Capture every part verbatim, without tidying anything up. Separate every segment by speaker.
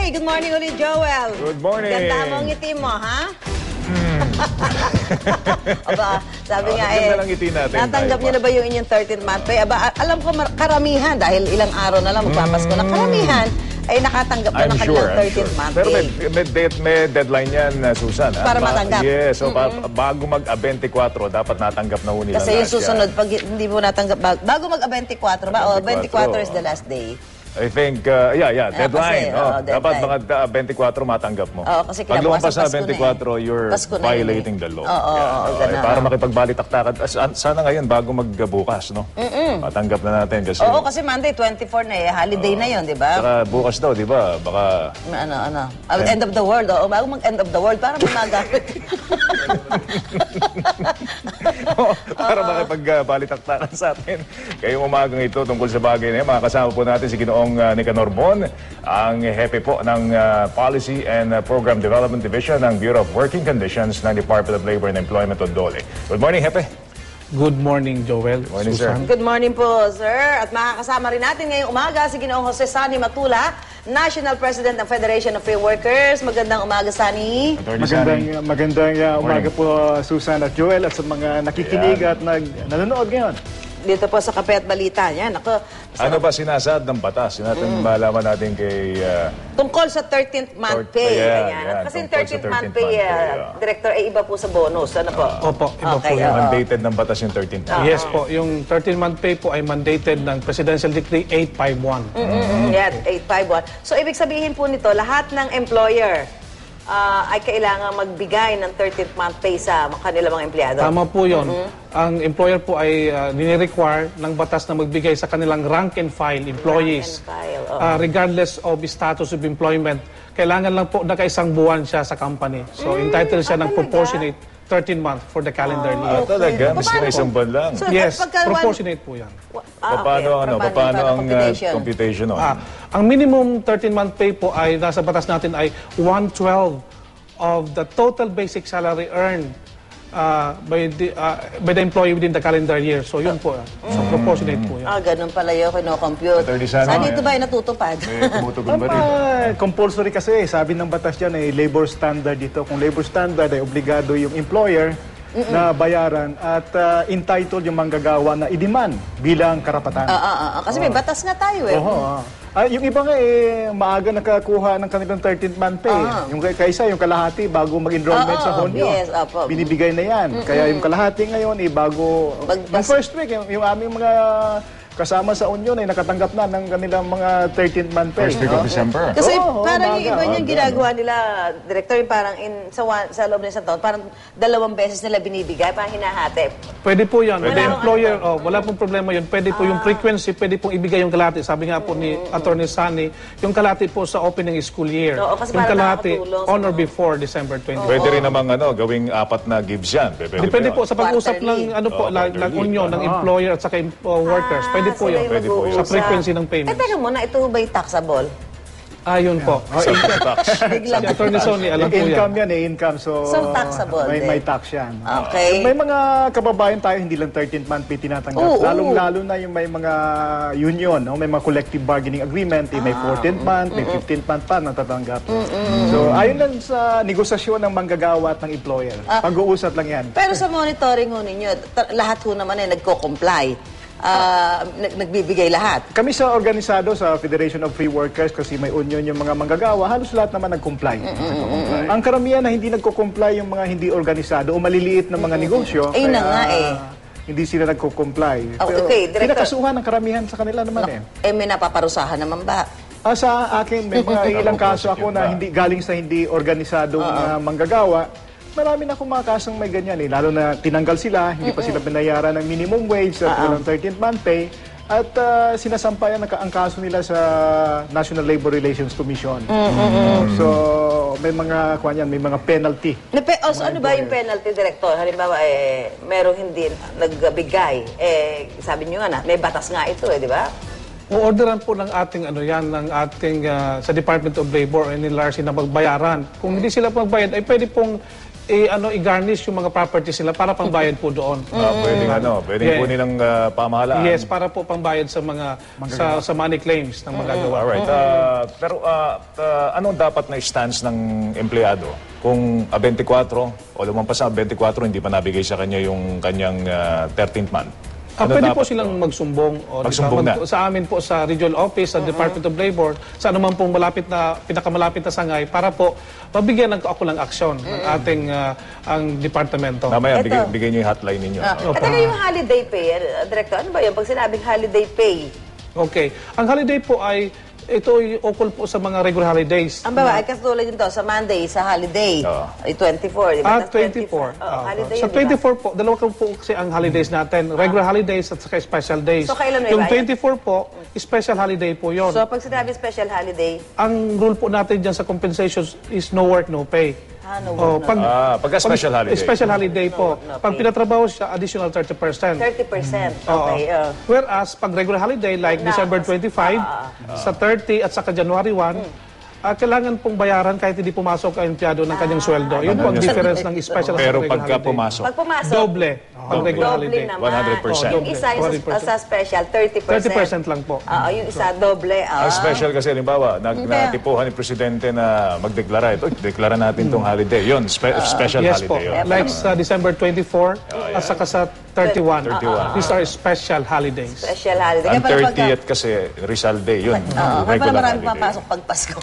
Speaker 1: Hey, good morning ulit, Joel.
Speaker 2: Good morning.
Speaker 1: Ganda mo ang ngiti mo, ha? Hmm. Aba, sabi
Speaker 2: oh,
Speaker 1: nga eh,
Speaker 2: ngiti natin,
Speaker 1: natanggap niyo na ba yung inyong thirteenth month pay? Aba, alam ko karamihan, dahil ilang araw na lang magpapasko na, karamihan ay nakatanggap na
Speaker 2: I'm
Speaker 1: ng
Speaker 2: sure,
Speaker 1: kanilang thirteenth
Speaker 2: sure.
Speaker 1: month
Speaker 2: Pero
Speaker 1: pay.
Speaker 2: may, may, de may deadline yan, uh, Susan. Ha?
Speaker 1: Para matanggap.
Speaker 2: Yes, so
Speaker 1: mm-hmm.
Speaker 2: bago mag-a twenty-four, dapat natanggap na ho nila.
Speaker 1: Kasi yung susunod, pag hindi mo natanggap, bago mag-a twenty-four ba? O, twenty-four is the last day.
Speaker 2: I think, uh, yeah, yeah, deadline.
Speaker 1: Kasi,
Speaker 2: oh,
Speaker 1: oh,
Speaker 2: dapat
Speaker 1: deadline.
Speaker 2: mga twenty-four matanggap mo.
Speaker 1: Oo, kasi
Speaker 2: pag lumampas sa
Speaker 1: Pasko na
Speaker 2: twenty-four,
Speaker 1: eh.
Speaker 2: you're
Speaker 1: Pasko na
Speaker 2: violating
Speaker 1: yun eh.
Speaker 2: the law.
Speaker 1: Oo, oo,
Speaker 2: yeah,
Speaker 1: oo,
Speaker 2: okay,
Speaker 1: ganun.
Speaker 2: para makipagbalitaktakan. Sana ngayon, bago magbukas, no?
Speaker 1: Mm-mm.
Speaker 2: Matanggap na natin. Kasi,
Speaker 1: Oo, kasi Monday, twenty-four na eh. Holiday
Speaker 2: uh,
Speaker 1: na yun, di ba?
Speaker 2: Saka bukas daw, di ba? Baka...
Speaker 1: Ano, ano? Uh, end of the world. Oo, bago mag-end of the world, para may magamit.
Speaker 2: Para makipagbalitaktakan sa atin. Kayong umagang ito tungkol sa bagay na yan, makakasama po natin si Ginoong uh, Nicanor Mon, ang hepe po ng uh, Policy and uh, Program Development Division ng Bureau of Working Conditions ng Department of Labor and Employment o DOLE. Good morning, Hepe.
Speaker 3: Good morning, Joel.
Speaker 2: Good morning,
Speaker 3: Susan.
Speaker 2: sir.
Speaker 1: Good morning po, sir. At makakasama rin natin ngayong umaga si Ginoong Jose Sani Matula, National President ng Federation of Free Workers. Magandang umaga, Sani.
Speaker 4: Magandang, magandang uh, umaga po, Susan at Joel, at sa mga nakikinig
Speaker 2: Ayan.
Speaker 4: at nag, nanonood ngayon.
Speaker 1: Dito po sa Kape at Balita. Yan, ako.
Speaker 2: Ano ba sinasaad ng batas? Yun natin mm. malaman natin kay... Uh,
Speaker 1: Tungkol sa thirteenth month
Speaker 2: Third-
Speaker 1: pay.
Speaker 2: yeah,
Speaker 1: Ganyan.
Speaker 2: yeah,
Speaker 1: Kasi yung
Speaker 2: tungkol sa
Speaker 1: thirteenth month
Speaker 2: thirteenth
Speaker 1: pay,
Speaker 2: month pay,
Speaker 1: uh,
Speaker 2: yeah.
Speaker 1: Director, ay iba po sa bonus. Ano po?
Speaker 3: Opo, iba
Speaker 1: Okay,
Speaker 3: po yun.
Speaker 1: oo.
Speaker 2: mandated ng batas yung thirteenth month.
Speaker 3: Yes po, yung thirteen month pay po ay mandated ng Presidential Decree eight fifty-one.
Speaker 1: Mm-hmm. Yan, eight fifty-one. So, ibig sabihin po nito, lahat ng employer uh, ay kailangan magbigay ng thirteenth month pay sa kanilang mga empleyado.
Speaker 3: Tama po yun. Ang employer po ay uh, nire-require ng batas na magbigay sa kanilang rank and file employees.
Speaker 1: Rank and file, oo.
Speaker 3: Uh, regardless of status of employment, kailangan lang po nakaisang buwan siya sa company. So, entitled siya
Speaker 1: ah,
Speaker 3: ng
Speaker 1: talaga?
Speaker 3: proportionate thirteen month for the calendar year.
Speaker 2: Ah, talaga? Miski
Speaker 1: Paano
Speaker 2: may isang
Speaker 1: po?
Speaker 2: buwan lang.
Speaker 1: So,
Speaker 3: Yes,
Speaker 1: pagka one-
Speaker 3: proportionate po yan.
Speaker 1: Ah,
Speaker 2: Paano, ano,
Speaker 1: Paano
Speaker 2: paano
Speaker 1: yung
Speaker 2: ang uh,
Speaker 1: computation?
Speaker 2: computation? no?
Speaker 3: Ah, ang minimum thirteen month pay po ay nasa batas natin ay one twelfth of the total basic salary earned uh, by the uh, by the employee within the calendar year. So yun po. So proportionate po yan.
Speaker 1: Ah, ganun pala yung kino-compute.
Speaker 2: Attorney Sani,
Speaker 1: Saan ito
Speaker 2: yan.
Speaker 1: ba ay natutupad?
Speaker 2: May tumutugon ba rin?
Speaker 4: Ah, compulsory kasi, eh, sabi ng batas dyan, eh, labor standard dito. Kung labor standard, ay obligado yung employer na bayaran at uh, entitled yung manggagawa na i-demand bilang karapatan.
Speaker 1: Ah, ah, ah, kasi may batas nga tayo eh.
Speaker 4: Oo. Ah, yung iba nga eh, maaga nakakuha ng kanilang thirteenth month pay.
Speaker 1: Ah.
Speaker 4: Yung kay- kaysa, yung kalahati bago mag-enrollment
Speaker 1: Ah,
Speaker 4: sa
Speaker 1: ah,
Speaker 4: Honyo.
Speaker 1: yes, opo.
Speaker 4: Binibigay na yan. Kaya yung kalahati ngayon, eh, bago...
Speaker 1: Magbas-
Speaker 4: yung first week, yung, yung aming mga kasama sa Union ay nakatanggap na ng kanilang mga thirteenth month pay.
Speaker 2: First week of
Speaker 4: no?
Speaker 2: December.
Speaker 1: Kasi
Speaker 4: Oo,
Speaker 1: parang yung
Speaker 4: umaga,
Speaker 1: iba niyang
Speaker 2: umaga,
Speaker 1: ginagawa nila, Director, yung parang in, sa, one, sa loob ng isang taon, parang dalawang beses nila binibigay, parang hinahati.
Speaker 3: Pwede po yan.
Speaker 1: Wala
Speaker 3: The
Speaker 1: akong
Speaker 3: employer,
Speaker 1: ano.
Speaker 3: oh, wala pong problema yun. Pwede po yung frequency, pwede pong ibigay yung kalahati. Sabi nga po ni Attorney Sani, yung kalahati po sa opening school year.
Speaker 1: Oo, kasi
Speaker 3: Yung
Speaker 1: para
Speaker 3: kalahati
Speaker 1: nakakatulong sa
Speaker 3: on or
Speaker 1: mga-
Speaker 3: before December twenty.
Speaker 2: Pwede rin namang ano, gawing apat na gives yan. Pwede,
Speaker 3: Depende po sa pag-usap
Speaker 1: Quarterly.
Speaker 3: ng ano po,
Speaker 2: Oh,
Speaker 3: ng, ng
Speaker 2: quarterly.
Speaker 3: union, ng employer at saka uh, workers. Pwede po
Speaker 1: sila
Speaker 3: yun.
Speaker 1: yung
Speaker 2: Pwede po yun.
Speaker 3: Sa
Speaker 1: mag-uusap.
Speaker 3: frequency ng
Speaker 1: Eh,
Speaker 3: payments.
Speaker 1: teka muna, ito ba yung taxable?
Speaker 3: Ayun po.
Speaker 2: Sa tax.
Speaker 1: Biglang.
Speaker 3: Si Attorney Sonny, alam po
Speaker 4: income
Speaker 3: yan.
Speaker 4: yan eh, income. So,
Speaker 1: So, taxable
Speaker 4: may,
Speaker 1: din.
Speaker 4: may tax yan.
Speaker 1: Okay.
Speaker 4: May mga kababayan tayo, hindi lang thirteenth month pay tinatanggap.
Speaker 1: Oo, oo.
Speaker 4: Lalong-lalo na yung may mga union, no? May mga collective bargaining agreement, eh, may fourteenth month, may fifteenth month pa natatanggap. So, ayon lang sa negosasyon ng manggagawa at ng employer. Pag-uusap lang yan.
Speaker 1: Pero sa monitoring ho ninyo, ta- lahat ho naman ay nagko-comply. Ah, nag- nagbibigay lahat.
Speaker 4: Kami sa organisado sa Federation of Free Workers, kasi may union yung mga manggagawa, halos lahat naman nag-comply. Ang karamihan na hindi nagko-comply yung mga hindi organisado o maliliit na mga negosyo.
Speaker 1: Ayun na
Speaker 4: kaya
Speaker 1: nga eh.
Speaker 4: Hindi sila nagko-comply.
Speaker 1: Oh,
Speaker 4: Pero
Speaker 1: okay, Director.
Speaker 4: pinakasuhan ng karamihan sa kanila naman eh.
Speaker 1: Eh, may napaparusahan naman ba?
Speaker 4: Ah, sa akin, may mga ilang kaso ako na hindi galing sa hindi organisadong uh, manggagawa. Marami na akong mga kasong may ganyan eh. Lalo na tinanggal sila, hindi pa sila binayaran ng minimum wage at walang thirteenth month pay. At uh, sinasampayan ang, ang kaso nila sa National Labor Relations Commission. So, may mga, kuwan yan, may mga penalty.
Speaker 1: Nape also, ano ba yung penalty, Director? Halimbawa, eh, merong hindi nagbigay. Eh, sabi niyo nga na, may batas nga ito eh, di ba?
Speaker 3: Uorderan po ng ating ano yan, ng ating ah, sa Department of Labor and N L R C na magbayaran. Kung hindi sila magbayad, ay pwede pong i ano i-garnish yung mga properties nila para pangbayad po doon.
Speaker 2: Ah, pwedeng ano, pwedeng
Speaker 3: Yeah.
Speaker 2: po nilang ah, pamahalaan.
Speaker 3: Yes, para po pangbayad sa mga sa, sa money claims ng magagawa.
Speaker 2: Alright. ah, pero ah, ah, anong dapat na stance ng empleyado? Kung ah, twenty-four o lumampas sa twenty-four, hindi pa nabigay sa kanya yung kanyang ah, thirteenth month.
Speaker 3: Ah,
Speaker 2: Ano
Speaker 3: pwede
Speaker 2: dapat
Speaker 3: po silang magsumbong o di ba,
Speaker 2: Magsumbong na.
Speaker 3: sa amin po sa regional office, sa Department of Labor, sa anuman pong malapit na pinakamalapit na sangay para po mabigyan ng kaukulang aksyon ng ating ah, ang departamento.
Speaker 2: Mamaya,
Speaker 1: Eto.
Speaker 2: bigay, bigay niyo yung hotline ninyo.
Speaker 1: Ah,
Speaker 2: no?
Speaker 1: At saka yung holiday pay, eh, Director, ano ba yun? Pag sinabing holiday pay,
Speaker 3: Okay. Ang holiday po ay ito ay ukol po sa mga regular holidays.
Speaker 1: ang baba, ay katulad yun to, sa Monday, sa holiday,
Speaker 2: Oo.
Speaker 1: ay twenty-four, di ba?
Speaker 3: Ah,
Speaker 1: Tas
Speaker 3: twenty-four.
Speaker 1: Oh,
Speaker 3: Ah,
Speaker 1: holiday
Speaker 3: sa
Speaker 1: yun, di ba?
Speaker 3: twenty-four po, dalawa po kasi ang holidays natin. Regular holidays at saka special days.
Speaker 1: So, kailan may
Speaker 3: Yung
Speaker 1: bayad?
Speaker 3: twenty-four po, special holiday po yon.
Speaker 1: So, pag sinabi special holiday,
Speaker 3: Ang rule po natin dyan sa compensation is no work, no pay.
Speaker 1: ah, no,
Speaker 3: Oh,
Speaker 1: no,
Speaker 3: pag,
Speaker 2: Ah, pagka special
Speaker 3: pag-
Speaker 2: holiday.
Speaker 3: Special holiday po.
Speaker 1: no
Speaker 3: Pag
Speaker 1: pay.
Speaker 3: pinatrabaho siya, additional thirty percent.
Speaker 1: thirty percent.
Speaker 3: Oo.
Speaker 1: Okay, oh.
Speaker 3: Whereas, pag regular holiday, like
Speaker 1: Na-
Speaker 3: December twenty-five, sa thirty at saka January one, ah, kailangan pong bayaran kahit hindi pumasok ang empleyado ng kanyang sweldo. Yun po ang difference ng special at
Speaker 2: Pero
Speaker 3: regular
Speaker 2: pagka
Speaker 3: holiday.
Speaker 2: pumasok,
Speaker 1: Pag pumasok,
Speaker 3: Doble. Pag regular
Speaker 1: doble
Speaker 3: holiday.
Speaker 1: naman.
Speaker 2: one hundred percent.
Speaker 1: Oh, yung isa yung
Speaker 3: one hundred percent.
Speaker 1: sa, sa special, thirty percent.
Speaker 3: thirty percent lang po.
Speaker 1: Oo, yung isa, doble. Ah.
Speaker 2: ang special kasi, halimbawa, nag,
Speaker 1: Kaya-
Speaker 2: natipuhan ni Presidente na magdeklara. Ito, deklara natin itong holiday. Yun, spe- special
Speaker 3: Yes po.
Speaker 2: holiday. Yun.
Speaker 3: Like sa December twenty-four at saka sa thirty-one.
Speaker 2: thirty-one.
Speaker 3: These are special holidays.
Speaker 1: Special holiday.
Speaker 2: Ang
Speaker 1: Kaya pala pagka-
Speaker 2: thirtieth kasi, Rizal Day. Yun,
Speaker 1: Oo, kaya pala
Speaker 2: regular
Speaker 1: maraming
Speaker 2: holiday.
Speaker 1: papasok pag Pasko.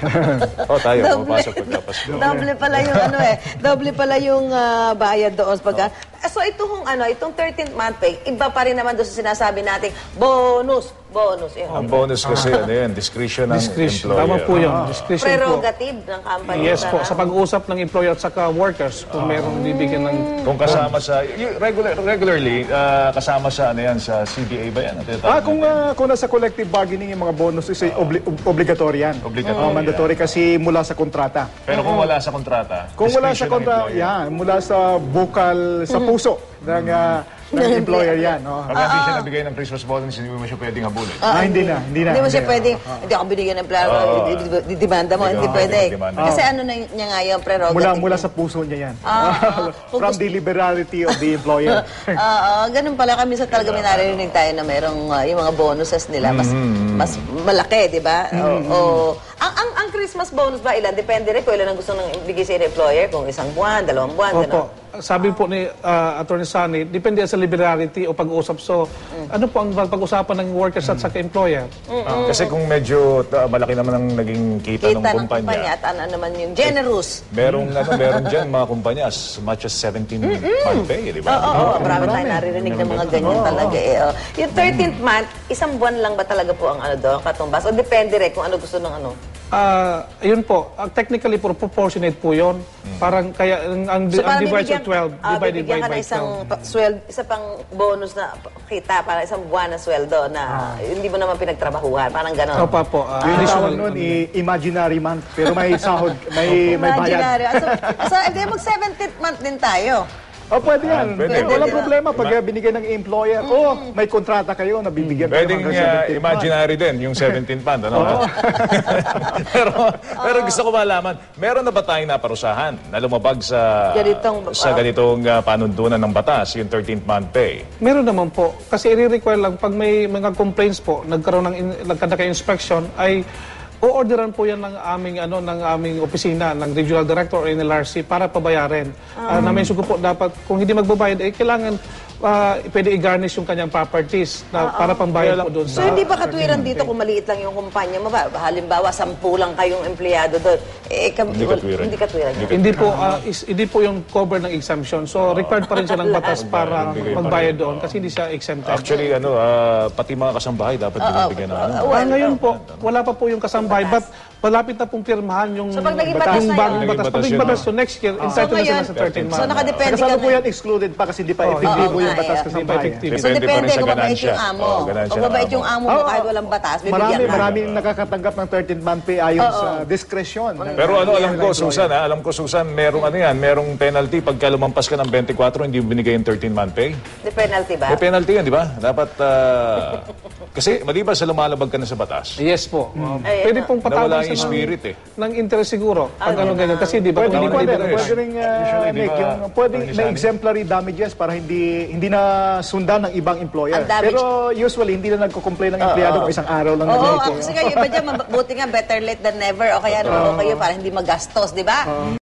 Speaker 2: Oh, tayo,
Speaker 1: Doble.
Speaker 2: pumapasok pagkapasko.
Speaker 1: Doble pala yung ano eh. Doble pala yung ah, bayad doon pagka. So itong ano, itong thirteenth month pay, iba pa rin naman doon sa sinasabi nating bonus, bonus. Yun.
Speaker 2: Ang bonus kasi, ano yan, discretion ng
Speaker 3: Discretion.
Speaker 2: employer.
Speaker 3: Tama po yun. Discretion po.
Speaker 1: Prerogative ng company.
Speaker 3: Yes po.
Speaker 1: na-
Speaker 3: Sa pag-uusap ng employer at saka workers, kung merong bibigyan ng...
Speaker 2: Kung kasama sa, y- regular, regularly, ah, kasama sa, ano yan, sa C B A ba yan? Ang tinatawag
Speaker 4: Ah, kung,
Speaker 2: natin?
Speaker 4: ah, kung nasa collective bargaining yung mga bonuses, ay obli- ob- obligatory yan.
Speaker 2: Obligatory,
Speaker 4: Ah, mandatory kasi mula sa kontrata.
Speaker 2: Pero kung wala sa kontrata,
Speaker 4: Kung wala
Speaker 2: discretion
Speaker 4: sa
Speaker 2: ng
Speaker 4: kontrata,
Speaker 2: employer.
Speaker 4: yan, mula sa bukal, sa puso ng, ah, ng employer yan. No?
Speaker 2: Pag hindi siya nabigay ng Christmas bonus, hindi mo siya pwedeng habulin.
Speaker 4: Ah, hindi na, hindi na.
Speaker 1: Hindi mo siya
Speaker 4: na.
Speaker 1: pwedeng, hindi ako binigyan ng plano, didimanda mo, hindi
Speaker 2: Oo,
Speaker 1: pwede.
Speaker 2: didemanda.
Speaker 1: Kasi ano na y- niya nga yung prerogative.
Speaker 4: Mula, mula sa puso niya yan.
Speaker 1: Ah, kung
Speaker 4: From
Speaker 1: gusto-
Speaker 4: the liberality of the employer.
Speaker 1: Oo, ganun pala kami sa talaga may narinig tayo na merong ah, yung mga bonuses nila mas mas malaki, di ba? O, o- ang, ang ang Christmas bonus ba ilan? Depende rin kung ilan ang gusto ng bigay sa employer, kung isang buwan, dalawang buwan,
Speaker 3: Opo.
Speaker 1: gano'n.
Speaker 3: Sabi po ni ah, Attorney Sunny, depende sa liberality o pag-usap. So, ano po ang pag-usapan ng workers at saka employer?
Speaker 2: Ah, kasi kung medyo ah, malaki naman ang naging kita,
Speaker 1: Kita
Speaker 2: ng
Speaker 1: ng
Speaker 2: kumpanya,
Speaker 1: kumpanya at ano naman yung generous.
Speaker 2: merong, ano, meron dyan mga kumpanya as much as seventeen month pay, di
Speaker 1: Oo,
Speaker 2: ba?
Speaker 1: oo, marami tayong naririnig ng mga ganyan talaga. Eh. oh. Yung thirteenth month, isang buwan lang ba talaga po ang ano doon, katumbas? O depende rin kung ano gusto ng ano?
Speaker 3: Ah, ayun po. Ah, technically, pro- proportionate po yun. Parang kaya ang, ang,
Speaker 1: So,
Speaker 3: ang
Speaker 1: parang
Speaker 3: divide sa
Speaker 1: bibigyan,
Speaker 3: twelve,
Speaker 1: ah,
Speaker 3: divided
Speaker 1: bibigyan
Speaker 3: by,
Speaker 1: ka
Speaker 3: by
Speaker 1: ng isang
Speaker 3: twelve.
Speaker 1: pa- sweld, isa pang bonus na kita, para isang buwan na sweldo na hindi mo naman pinagtrabahuan. Parang gano'n.
Speaker 3: Opa po. ah,
Speaker 4: Yung
Speaker 3: additional.
Speaker 4: tawag nun, i- imaginary month. Pero may sahod, may, may bayad.
Speaker 1: Imaginary. Ah, So, so hindi, mag-seventeenth month din tayo.
Speaker 4: Oh, pwede yan.
Speaker 2: pwede,
Speaker 4: Walang
Speaker 2: pwede.
Speaker 4: problema pag uh, binigay ng employer. Oh, may kontrata kayo, nabibigyan kayo
Speaker 2: Pwedeng
Speaker 4: hanggang
Speaker 2: uh,
Speaker 4: seventeenth month.
Speaker 2: imaginary din, yung seventeenth month. Ano? pero, pero gusto ko malaman, meron na ba tayong naparusahan na lumabag sa
Speaker 1: Ganitong,
Speaker 2: sa
Speaker 1: ah,
Speaker 2: ganitong uh, panuntunan ng batas, yung thirteenth month pay?
Speaker 3: Meron naman po. Kasi i-require lang, pag may mga complaints po, nagkaroon ng in, nagkaka-inspection, ay o-orderan po yan ng aming ano ng aming opisina ng Regional Director or N L R C para pabayarin. Ah, na may sugo po dapat kung hindi magbabayad eh kailangan ah, pwede i-garnish yung kanyang properties na para pambayad po doon
Speaker 1: So,
Speaker 3: sa
Speaker 1: hindi ba katwiran dito kung maliit lang yung kumpanya mo ba? Halimbawa, sampu lang kayong empleyado doon. Eh, kam-
Speaker 2: Hindi katwiran.
Speaker 1: Hindi katwiran.
Speaker 3: hindi po ah, is, hindi po yung cover ng exemption. So required pa rin siya ng batas para
Speaker 2: Bigay pa rin.
Speaker 3: magbayad doon kasi hindi siya exempted.
Speaker 2: Actually, ano, ah, pati mga kasambahay dapat binibigyan ng ano.
Speaker 3: Ah, ngayon po, wala pa po yung kasambahay, but malapit na pong pirmahan yung,
Speaker 1: So, pag naging batas
Speaker 3: yung
Speaker 1: na
Speaker 3: bagong
Speaker 2: yun.
Speaker 3: batas. Pag naging
Speaker 2: Naging
Speaker 3: batas,
Speaker 2: batas
Speaker 3: so next year, entitled na sila
Speaker 1: ngayon,
Speaker 3: sa thirteen
Speaker 1: So,
Speaker 3: months.
Speaker 1: nakadepende ka
Speaker 4: Kasalukuyan
Speaker 1: na.
Speaker 4: excluded pa kasi di pa
Speaker 1: Oo,
Speaker 4: epektibo
Speaker 1: oo,
Speaker 4: yung
Speaker 1: nga,
Speaker 4: batas
Speaker 1: eh.
Speaker 4: kasi
Speaker 3: Hindi pa effective.
Speaker 1: So,
Speaker 2: Depende pa rin
Speaker 1: depende
Speaker 2: sa
Speaker 1: kung mabait
Speaker 2: ganansya.
Speaker 1: yung amo.
Speaker 2: Oo, ganansya
Speaker 1: Kung
Speaker 2: ng
Speaker 1: mabait
Speaker 2: amo.
Speaker 1: yung amo mo, kahit walang batas, bibigyan
Speaker 4: Marami,
Speaker 1: ka.
Speaker 4: maraming nakakatanggap ng thirteenth month pay ayon sa diskresyon.
Speaker 2: Pero ano, alam ko, Susan, ha? Alam ko, Susan, merong ano yan, merong penalty pagka lumampas ka ng twenty-four, hindi mo binigay yung thirteen month pay.
Speaker 1: The penalty ba?
Speaker 2: May penalty yan, di ba? Dapat, ah, Kasi maliban sa lumalabag ka na sa batas,
Speaker 3: Yes po. Uh,
Speaker 1: Ay,
Speaker 3: pwede
Speaker 1: ano?
Speaker 3: pong patawag
Speaker 2: nawala
Speaker 3: sa
Speaker 2: yung spirit eh.
Speaker 3: ng interest siguro. Pag
Speaker 1: Ah,
Speaker 3: ano ganyan. Kasi di ba
Speaker 4: Pwede
Speaker 3: kung
Speaker 4: rin,
Speaker 3: hindi
Speaker 4: pwede,
Speaker 3: ba
Speaker 4: pwede rin, uh,
Speaker 2: Usually, di
Speaker 4: Nick,
Speaker 2: ba,
Speaker 4: yung pwede
Speaker 2: Attorney
Speaker 4: may
Speaker 2: Sani?
Speaker 4: exemplary damages para hindi hindi na sundan ng ibang employer.
Speaker 1: Ang damage.
Speaker 4: Pero usually, hindi na nagko-complain ng empleyado kung isang araw lang
Speaker 1: Oo,
Speaker 4: nag-late.
Speaker 1: ako kasi kayo iba dyan, mabuti nga better late than never o kaya no, o kayo para hindi magastos, di ba?